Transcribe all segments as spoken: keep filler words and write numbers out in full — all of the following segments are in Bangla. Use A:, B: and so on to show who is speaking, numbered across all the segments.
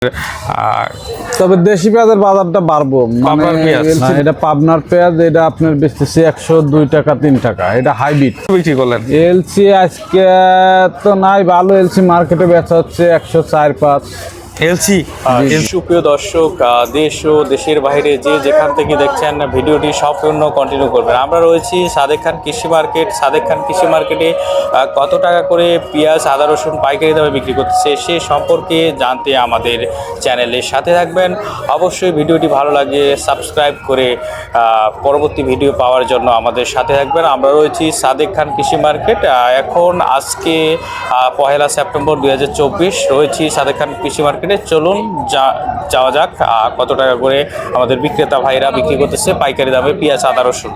A: তবে দেশি পেঁয়াজের বাজারটা বাড়বো, মানে এটা পাবনার পেঁয়াজ, এটা আপনার বেচতেছি একশো দুই টাকা তিন টাকা, এটা হাইব্রিড
B: বিক্রি করলেন।
A: এলসি আজকে তো নাই, ভালো এলসি মার্কেটে বেচা হচ্ছে একশো চার পাঁচ।
B: এলসি সুপ্রিয় দর্শক, দেশ ও দেশের বাইরে যে যেখান থেকে দেখছেন ভিডিওটি সম্পূর্ণ কন্টিনিউ করবেন। আমরা রয়েছি সাদেক খান কৃষি মার্কেট। সাদেক খান কৃষি মার্কেটে কত টাকা করে পেঁয়াজ, আদা, রসুন পাইকারি দামে বিক্রি করতেছে সে সম্পর্কে জানতে আমাদের চ্যানেলের সাথে থাকবেন। অবশ্যই ভিডিওটি ভালো লাগে সাবস্ক্রাইব করে পরবর্তী ভিডিও পাওয়ার জন্য আমাদের সাথে থাকবেন। আমরা রয়েছি সাদেক খান কৃষি মার্কেট। এখন আজকে পহেলা সেপ্টেম্বর দুই হাজার চব্বিশ রয়েছি সাদেক খান কৃষি মার্কেট। চলুন যাওয়া যাক কত টাকা করে আমাদের বিক্রেতা ভাইরা বিক্রি করতেছে পাইকারি দামে পেঁয়াজ, আদা, রসুন।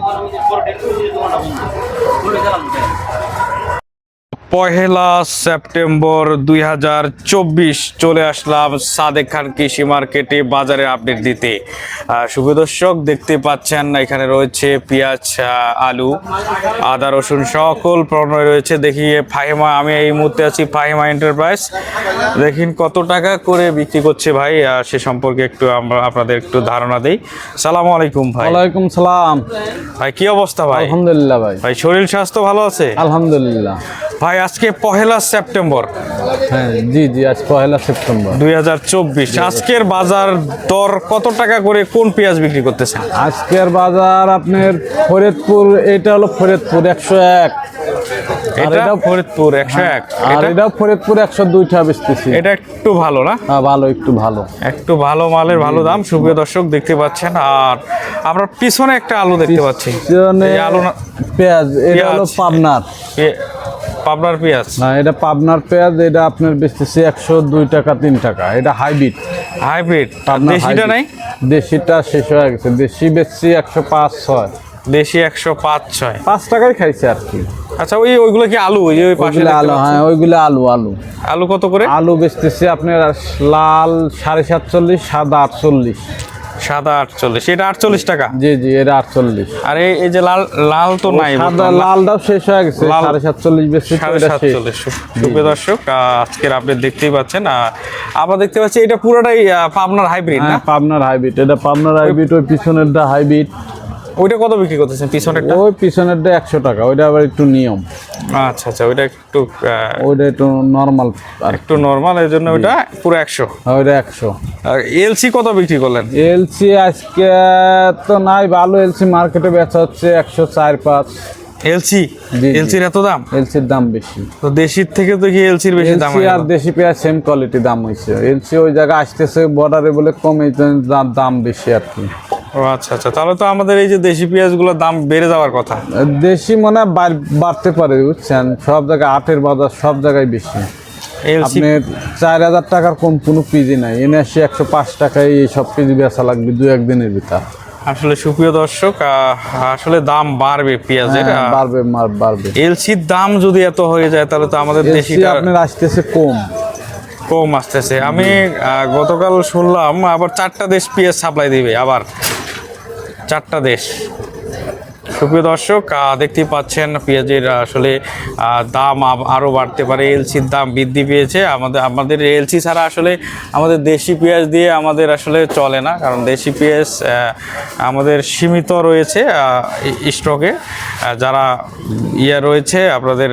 B: পহেলা সেপ্টেম্বর দুই হাজার চব্বিশ চলে আসলাম সাদেক খান কৃষি মার্কেটে বাজারের আপডেট দিতে। শুভ দর্শক, দেখতে পাচ্ছেন এখানে রয়েছে পেঁয়াজ, আলু, আদা, রসুন সকল পণ্য রয়েছে। দেখি ফাহিমা, আমি এই মুহূর্তে আছি ফাহিমা এন্টারপ্রাইজ। দেখুন কত টাকা করে বিক্রি করছে ভাই, সে সম্পর্কে একটু আমরা আপনাদের একটু ধারণা দেই। সালামু আলাইকুম ভাই।
A: ওয়ালাইকুম সালাম
B: ভাই, কি অবস্থা ভাই?
A: আলহামদুলিল্লাহ ভাই।
B: ভাই শরীর স্বাস্থ্য ভালো আছে?
A: আলহামদুলিল্লাহ
B: ভাই। আজকে পহেলা সেপ্টেম্বর,
A: হ্যাঁ জি জি আজ পহেলা সেপ্টেম্বর
B: দুই হাজার চব্বিশ। আজকের বাজার দর কত টাকা করে কোন পেঁয়াজ বিক্রি করতেছেন?
A: আজকের বাজার আপনার ফরিদপুর, এটা হলো ফরিদপুর একশো এক,
B: এটা ফরিদপুর একশো এক,
A: আর এটাও ফরিদপুর একশো দুইটা বেচতেছি।
B: এটা একটু ভালো না?
A: হ্যাঁ ভালো, একটু ভালো,
B: একটু ভালো মালের ভালো দাম। সুপ্রিয় দর্শক দেখতে পাচ্ছেন। আর আমরা পিছনে একটা আলু দেখতে পাচ্ছি,
A: আলু না পেঁয়াজ, এটা হলো পাবনার
B: পাবনার পেঁয়াজ।
A: না, এটা পাবনার পেঁয়াজ, এটা আপনার বেচতেছি একশো দুই টাকা তিন টাকা, এটা হাইব্রিড।
B: হাইব্রিড দেশিটা নাই?
A: দেশিটা শেষ হয়ে গেছে, দেশি বেচছি একশো পাঁচ ছয়।
B: দেশি একশো পাঁচ ছয়,
A: পাঁচ টাকায় খাইছে আর কি।
B: আচ্ছা, ওই ওইগুলো কি আলু? ওই ওই পাশে
A: আলু, হ্যাঁ ওইগুলো আলু। আলু
B: আলু কত করে?
A: আলু বেচতেছি আপনার লাল সাড়ে সাতচল্লিশ, সাদা আটচল্লিশ।
B: সাদা আটচল্লিশ, এটা আটচল্লিশ টাকা?
A: জি জি এটা আটচল্লিশ।
B: আর এই যে লাল লাল তো নাই,
A: সাদা লালটাও শেষ হয়ে গেছে, সাড়ে সাতচল্লিশ বেশি।
B: সাড়ে সাতচল্লিশ। সুপ্রিয় দর্শক, আজকের আপনি দেখতেই পাচ্ছেন, আমরা দেখতে পাচ্ছি এটা পুরোটাই পাবনার হাইব্রিড না?
A: পাবনার হাইব্রিড, এটা পাবনার হাইব্রিড। ওই পিছনেরটা হাইব্রিড।
B: ওইটা কত বিক্রি করতেছেন পিছনেরটা?
A: ওই পিছনেরটা একশো টাকা, ওইটা আবার একটু নিয়ম।
B: আচ্ছা আচ্ছা, ওইটা একটু
A: ওইটা একটু নর্মাল,
B: একটু নর্মাল, এর জন্য ওইটা পুরো একশো।
A: ওইটা একশো।
B: আর এলসি কত বিক্রি করলেন?
A: এলসি আজকে তো নাই, ভালো এলসি মার্কেটে বেচা হচ্ছে একশো চার পাঁচ।
B: এলসি এলসির এত দাম?
A: এলসির দাম বেশি
B: তো দেশির থেকে তো কি এলসির বেশি দাম?
A: আর দেশি পেঁয়াজ সেম কোয়ালিটি দাম হয়েছে। এলসি ওই জায়গায় আসতেছে বর্ডারে বলে কম, এই দাম বেশি আর কি।
B: ও আচ্ছা আচ্ছা, তাহলে তো আমাদের এই যে দেশি পেঁয়াজগুলোর দাম বেড়ে যাওয়ার কথা।
A: দেশি মনে হয় বাড়তে পারে, বুঝছেন, সব জায়গায় আটের বাজার সব জায়গায় বেশি। আপনার চার হাজার টাকার কম কোনো পিজি নাই, এনে আসি একশো পাঁচ টাকায় এই সব পিজি বেচা লাগবে দু একদিনের ভিতর।
B: আসলে সুপ্রিয় দর্শক, আসলে দাম বাড়বে পেঁয়াজের,
A: বাড়বে বাড়বে।
B: এলসির দাম যদি এত হয়ে যায় তাহলে তো আমাদের দেশিটা
A: আপনার আসতেছে কম
B: কম আসতেছে। আমি গতকাল শুনলাম আবার চারটা দেশ পেঁয়াজ সাপ্লাই দিবে, আবার চারটা দেশ। সুপ্রিয় দর্শক, দেখতেই পাচ্ছেন পেঁয়াজের আসলে দাম আরও বাড়তে পারে। এলসির দাম বৃদ্ধি পেয়েছে। আমাদের আমাদের এলসি ছাড়া আসলে আমাদের দেশি পেঁয়াজ দিয়ে আমাদের আসলে চলে না, কারণ দেশি পেঁয়াজ আমাদের সীমিত রয়েছে স্টকে, যারা ইয়ে রয়েছে আপনাদের।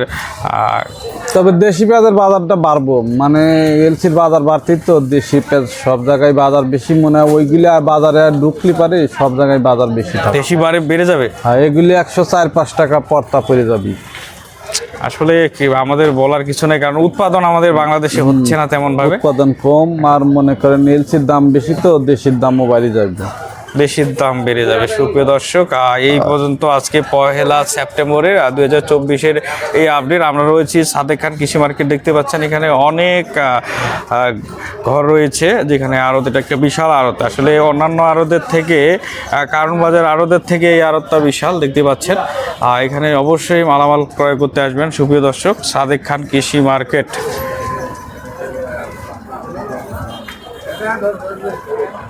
A: তবে দেশি পেঁয়াজের বাজারটা বাড়বো, মানে এলসির বাজার বাড়তি তো, দেশি পেঁয়াজ সব জায়গায় বাজার বেশি মনে হয়। ওইগুলি বাজারে ঢুকলি পারে সব জায়গায় বাজার বেশি,
B: দেশি বারে বেড়ে যাবে।
A: হ্যাঁ এগুলি একশো চার পাঁচ টাকা পর্তা পড়ে যাবে।
B: আসলে কি আমাদের বলার কিছু নেই, কারণ উৎপাদন আমাদের বাংলাদেশে হচ্ছে না তেমন ভাবে,
A: উৎপাদন কম। আর মনে করেন এলসির দাম বেশি তো, দেশির দামও বাড়ি যাবে,
B: দেশির দাম বেড়ে যাবে। সুপ্রিয় দর্শক, এই পর্যন্ত আজকে পহেলা সেপ্টেম্বরের দুই হাজার চব্বিশের এই আপডেট। আমরা রয়েছি সাদেক খান কৃষি মার্কেট। দেখতে পাচ্ছেন এখানে অনেক ঘর রয়েছে, যেখানে আড়ত, এটা একটা বিশাল আড়ত। আসলে অন্যান্য আড়তের থেকে, কারণ বাজার আড়তের থেকে এই আড়তটা বিশাল দেখতে পাচ্ছেন। এখানে অবশ্যই মালামাল ক্রয় করতে আসবেন সুপ্রিয় দর্শক, সাদেক খান কৃষি মার্কেট।